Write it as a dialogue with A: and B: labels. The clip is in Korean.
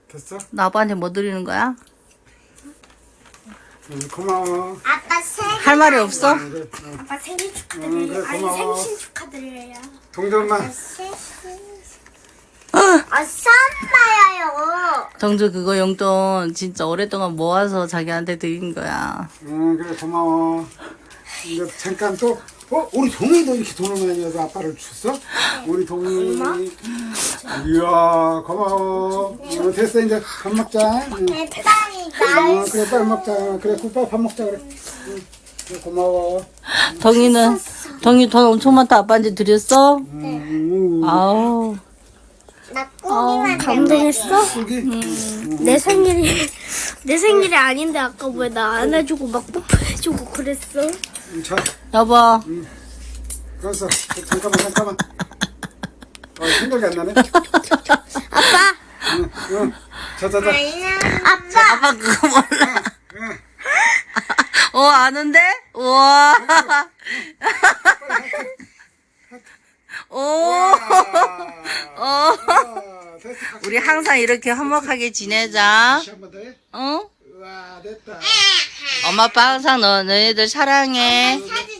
A: 됐어?
B: 나 아빠한테 뭐 드리는 거야?
A: 고마워.
C: 아빠 생일.
B: 할 말이 없어?
A: 그래,
C: 아빠 생일 축하드려요.
A: 그래,
C: 아니
A: 고마워.
C: 생신 축하드려요.
A: 동전만.
C: 썸바야요.
B: 정주 그거 용돈 진짜 오랫동안 모아서 자기한테 드린 거야.
A: 그래, 고마워. 이제 잠깐 또, 우리 동이도 이렇게 돈을 많이 줘서 아빠를 줬어? 우리 동이. 이야, 고마워. 됐어, 이제 밥 먹자.
C: 네, 태당이 날.
A: 그래, 빨리 먹자. 그래, 굿밥 밥 먹자, 그래. 그래, 고마워.
B: 덩이 돈 엄청 많다 아빠한테 드렸어? 아우.
C: 나 고기만
D: 감동했어?
A: 여기?
D: 내 생일이 아닌데 아까 왜 나 안아주고 막 뽀뽀해주고 그랬어?
A: 자,
B: 여보.
A: 그래서 잠깐만. 생각이 안 나네.
D: 아빠
A: 응. 자.
B: 아빠 그거 몰라. 아는데? 우와. 오.
A: 됐어.
B: 우리 항상 이렇게 화목하게 지내자.
A: 다시 한번 더 해.
B: 응?
A: 우와, 됐다.
B: 엄마 아빠 항상 너희들 사랑해.
C: 사진